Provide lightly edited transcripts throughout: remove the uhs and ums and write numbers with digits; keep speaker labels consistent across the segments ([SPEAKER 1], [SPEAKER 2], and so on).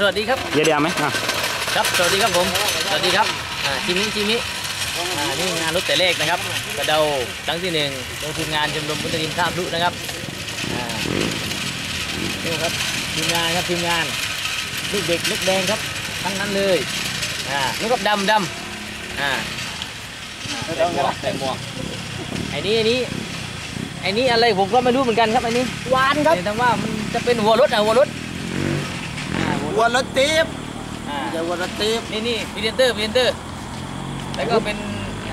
[SPEAKER 1] สวัสดีครับ
[SPEAKER 2] เดี๋ยวไหม
[SPEAKER 1] ครับสวัสดีครับผมสวัสดีครับจิมินี่งานรถแต่เลขนะครับกระเดาครั้งที่1โดยทีมงานชมรมพุทธดินท่าพลุนะครับนี่ครับทีมงานลูกเด็กลูกแดงครับทั้งนั้นเลยนี่ก็ดำใส่หมวกไอ้นี่อะไรผมก็ไม่รู้เหมือนกันครับไอ้นี่
[SPEAKER 3] วานครับ
[SPEAKER 1] แต่ว่ามันจะเป็นหัวรถหัวรถ
[SPEAKER 3] ตีบเดี๋ยววัวรถตีบ
[SPEAKER 1] นี่พรีเซนเตอร์แล้วก็เป็น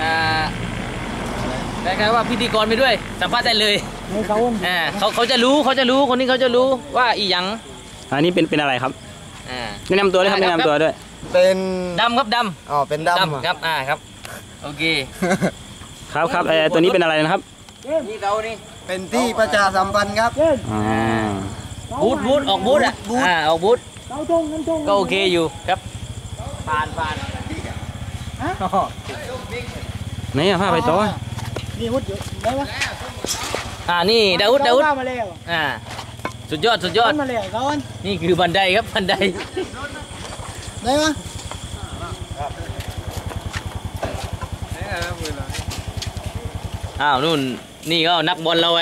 [SPEAKER 1] คล้ายๆว่าพิธีกรไปด้วยสัมภาษณ์ได้เลยเขาจะรู้คนนี้เขาจะรู้ว่าอีหยัง
[SPEAKER 2] อันนี้เป็นอะไรครับแนะนำตัวด้วยครับแนะนำตัวด้วย
[SPEAKER 3] เป็น
[SPEAKER 1] ดำครับดำ
[SPEAKER 3] อ๋อเป็นดำ
[SPEAKER 1] ครับครับโอเค
[SPEAKER 2] ครับตัวนี้เป็นอะไรนะครับ
[SPEAKER 1] นี่เรานี่
[SPEAKER 3] เป็นที่ประชาสัมพันธ์ครับ
[SPEAKER 1] บูธออกบูธออกบูธก็โอเคอยู่ครับผ่าน
[SPEAKER 2] นี่ผ้าไปโต๊ะ
[SPEAKER 3] นี่วุฒิอยู่ได้ปะ
[SPEAKER 1] นี่ดาวุฒิสุดยอด
[SPEAKER 3] มาแล้วก่อน
[SPEAKER 1] นี่คือบันไดครับบันได
[SPEAKER 3] ได้ปะ
[SPEAKER 1] นู่นนี่ก็นักบอลเราไง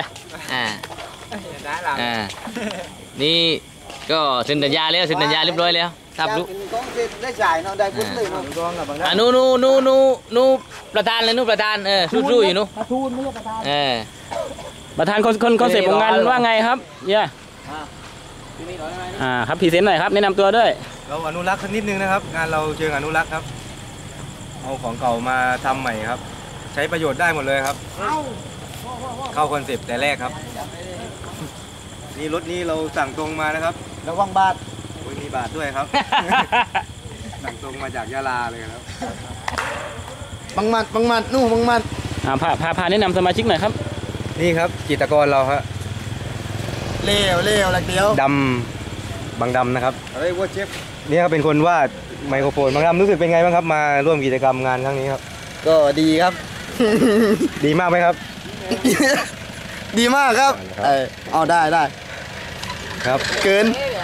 [SPEAKER 1] นี่ก็เซ็นสัญญาเรียบร้อยแล้วครับลูก
[SPEAKER 3] ได้จ่ายเนาะได้พุ่งเลยเนาะ
[SPEAKER 1] นูประธานเลยประธานสู้อยู่
[SPEAKER 3] ประธานไม่ใช่ประธาน
[SPEAKER 2] ประธานคอนเซ็ปต์ของงานว่าไงครับครับพรีเซนต์หน่อยครับแนะนำตัวด้วย
[SPEAKER 4] เราอนุรักษ์สักนิดนึงนะครับงานเราเชิงอนุรักษ์ครับเอาของเก่ามาทำใหม่ครับใช้ประโยชน์ได้หมดเลยครับเข้าคอนเซ็ปต์แต่แรกครับนี่รถนี้เราสั่งตรงมานะครับ
[SPEAKER 3] ระวังบาท
[SPEAKER 4] มีบาทด้วยครับสั่งตรงมาจากยะลาเลยครับ
[SPEAKER 3] บังมัดนู่บังมัด
[SPEAKER 2] พาแนะนำสมาชิกหน่อยครับ
[SPEAKER 4] นี่ครับจิตรกรเราครับ
[SPEAKER 3] เลี้ยวอะไรเดียว
[SPEAKER 4] ดำบางดำนะครับว่าเชฟนี่ครับเป็นคนวาดไมโครโฟนบางดำรู้สึกเป็นไงบ้างครับมาร่วมกิจกรรมงานครั้งนี้ครับ
[SPEAKER 3] ก็ดีครับ
[SPEAKER 4] ดีมากไหมครับ
[SPEAKER 3] ดีมากครับเอาได้
[SPEAKER 4] ครับ
[SPEAKER 3] เกิน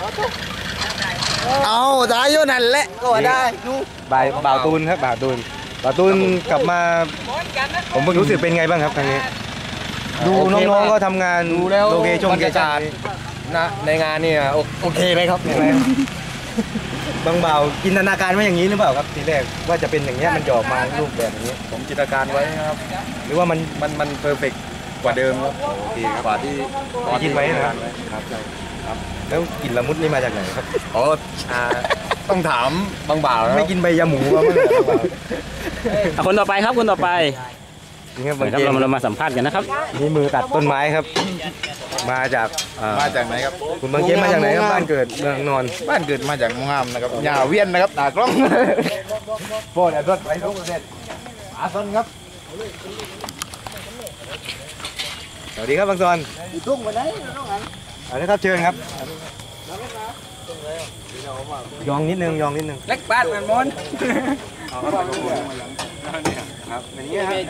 [SPEAKER 3] เอาได้โยนั่นแหละก็ได้นู่
[SPEAKER 4] บ่าวตูนครับบ่าวตูนกลับมาผมเพิ่งรู้สึกเป็นไงบ้างครับครั้งนี้ดูน้องๆก็ทำงานโลเคชั่นนะในงานนี่โอเคไหมครับบางบ่าวจินตนาการไว้อย่างนี้หรือเปล่าครับทีแรกว่าจะเป็นอย่างนี้มันหยอกมารูปแบบนี้
[SPEAKER 5] ผมจินตนาการไว้นะครับ
[SPEAKER 4] หรือว่ามันเพอร์เฟกต์
[SPEAKER 5] กว่าเดิมครับ
[SPEAKER 4] โอเค
[SPEAKER 5] กว่าที่
[SPEAKER 4] คิดไว้นะครับครับแล้วกลิ่นละมุดนี่มาจากไหนครับ
[SPEAKER 5] ต้องถามบางบ่าว
[SPEAKER 4] ไม่กินใบยาหมูบ้าง
[SPEAKER 2] คนต่อไปครับคนต่อไปนี่ครับเรามาสัมภาษณ์กันนะครับ
[SPEAKER 4] นี่มือตัดต้นไม้ครับมาจาก
[SPEAKER 5] ไหนครับ
[SPEAKER 4] คุณบางเจี๊ยบมาจากไหนครับบ้านเกิดเมืองนอน
[SPEAKER 5] บ้านเกิดมาจากมุงามนะครับยาเวียนนะครับตากล้อง
[SPEAKER 4] โบนรถไปทุกประเทศอาซอนครับสวัสดีครับบางซอน
[SPEAKER 3] ตุ้งมาได้
[SPEAKER 4] เอาละครับเชิญครับยองนิดนึง
[SPEAKER 3] เล็กบ้านมันมอน
[SPEAKER 4] ครับอย่างนี้ครับ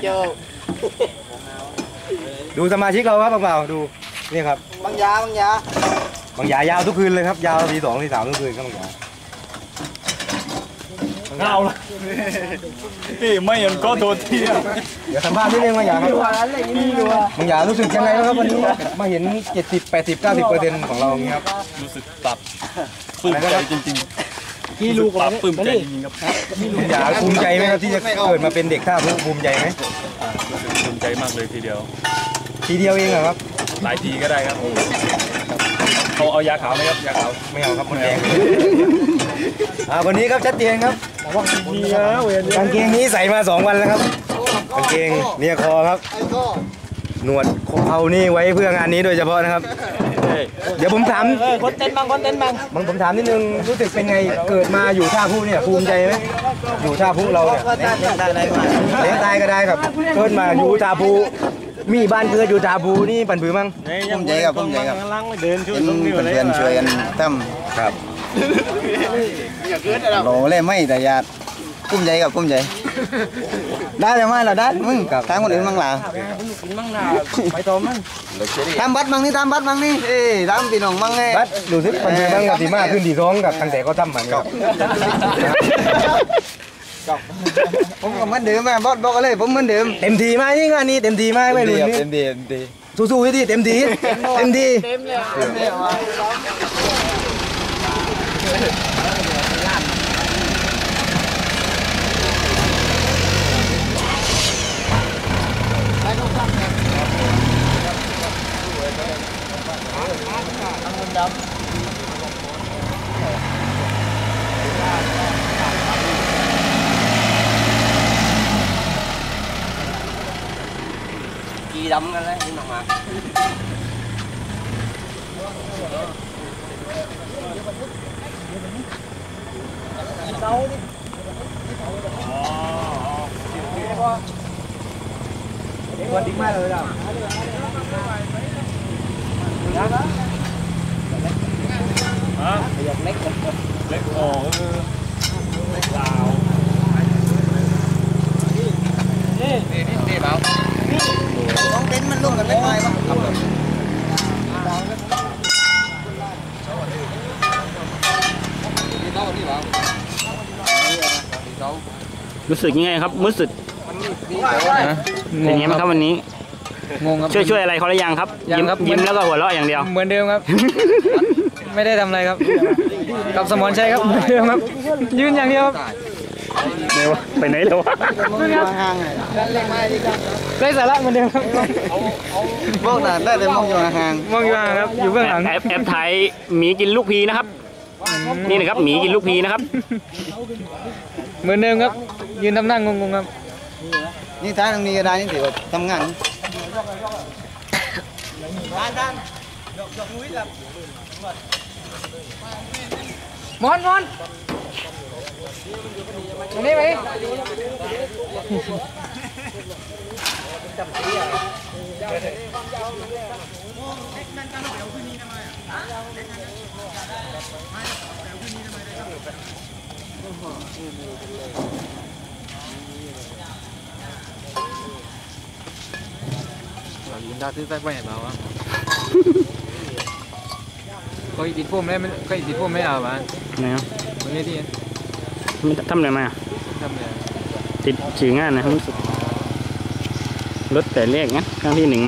[SPEAKER 4] ดูสมาชิกเราครับบางบ่าวดูนี่ครับ
[SPEAKER 3] บางย
[SPEAKER 4] ายาวทุกคืนเลยครับยาวที 2 ที 3ทุกคืนครับบางยา
[SPEAKER 5] เงาละนี่ไม่ยันก็โดนที่
[SPEAKER 4] เดี๋ยวสัมภาษณ์นิดนึงบางยาครับบางยารู้สึกยังไงครับวันนี้มาเห็น70 80 90% ของเราอย่างนี้ครับ
[SPEAKER 5] รู้สึกตับปลื้มใจจริงๆ
[SPEAKER 3] ที่ลูก
[SPEAKER 5] ตับปลื้มใจจริงๆครับ
[SPEAKER 4] บางยาภูมิใจไหมครับที่จะเกิดมาเป็นเด็กท่าพลุภูมิใจไหม
[SPEAKER 5] รู้สึกภูมิใจมากเลยทีเดียว
[SPEAKER 4] เองเหรอครับ
[SPEAKER 5] หลายทีก็ได้ครับเขาเอายาขาวไหมครับยาขาว
[SPEAKER 4] ไม่เอาครับคนแดงวันนี้ครับชัดเจนครับกางเกงนี้ใส่มา2 วันแล้วครับกางเกงเนี่ยคอครับหนวดเขานี่ไว้เพื่องานนี้โดยเฉพาะนะครับเดี๋ยวผมถาม
[SPEAKER 3] คนเต้นบาง
[SPEAKER 4] ผมถามนิดนึงรู้สึกเป็นไงเกิดมาอยู่ท่าพลุเนี่ยภูมิใจไหมอยู่ท่าพลุเราเนี่ยเลี้ยงตายก็ได้ครับเกิดมาอยู่ท่าพลุมีบ้านเกิดอยู่ท่าพลุนี่ปั่นผือมั้ง
[SPEAKER 3] ภูมิใจครับ
[SPEAKER 5] เดินช่วย
[SPEAKER 3] เพื่อนช่วยกันทำ
[SPEAKER 4] ครับ
[SPEAKER 3] โหเล่ไม่แต่ยาภูมิใจครับภูมิใจได้เลยไหมเราได้มึงทางคนอื่นมั่งล่ะ
[SPEAKER 4] ไปต่อมั้ง
[SPEAKER 3] ทำบัตรมั่งนี่ทำบัตรมั่งนี่เอ้ยทำพี่น้องมั่งไง
[SPEAKER 4] บัดดูสิมันเป็นบ้างกับดีมากขึ้นดีร้องกับตั้งแต่ก็ทำมันครับ
[SPEAKER 3] ผมก็เหมือนเดิมแม่บอสบอกเลยผมเหมือนเดิม
[SPEAKER 4] เต็มทีไหมนี่งานนี้เต็มทีไหมไม่รู้นี่
[SPEAKER 3] เต็มดี
[SPEAKER 4] สู้ๆให้ดีเต็มทีเต็มที
[SPEAKER 3] กีดำกันเลยนี่มาวันดิ้งมาเลยอ่ะ
[SPEAKER 5] เล็กอ๋อเล็กลาว
[SPEAKER 3] ต้องเต็นมันร่วมกันไม่ไหวป่ะ
[SPEAKER 2] รู้สึกยังไงครับรู้สึกเป็นยังไงบ้างครับวันนี้
[SPEAKER 6] งงครับ
[SPEAKER 2] ช่วยอะไรเขาหรือยังครับ
[SPEAKER 6] ยังครับ
[SPEAKER 2] ยิ้มแล้วก็หัวเราะอย่างเดียว
[SPEAKER 6] เหมือนเดิมครับ ไม่ได้ทำอะไรครับ กับสมรชัยครับเหมือนเดิมครับ ยืนอย่างเดียวครับ
[SPEAKER 2] เดี๋ยวไปไหนแล้ววะ
[SPEAKER 3] ห่าง
[SPEAKER 6] ไร้สาระเหมือนเดิมครับ
[SPEAKER 3] พวกนั้นได้แต่มองอยู่ห่าง
[SPEAKER 6] มองอยู่ห่างครับ อยู่เบื้องหลัง
[SPEAKER 2] แอบถ่ายหมีกินลูกพีนะครับ นี่นะครับหมีกินลูกพีนะครับ
[SPEAKER 6] เหมือนเดิมครับ ยืนทำหน้างงๆครับ
[SPEAKER 3] นี่ท้ายตรงนี้ก็ได้นี่ถือว่าทำงาน
[SPEAKER 6] มอนอันนี้ไหมยินดาซื้อใส่ไปเปล่าวะก็ติดพุ่มได้ไม่ก็ติดพุ่มไม่เอาบ้าน
[SPEAKER 2] ไหนครับ
[SPEAKER 6] วันนี้ที่
[SPEAKER 2] ทำอะไรมา
[SPEAKER 6] ทำเนี่ย
[SPEAKER 2] ติดฉี่งานนะครับรู้สึกรถแต่เลขนะครั้งที่ 1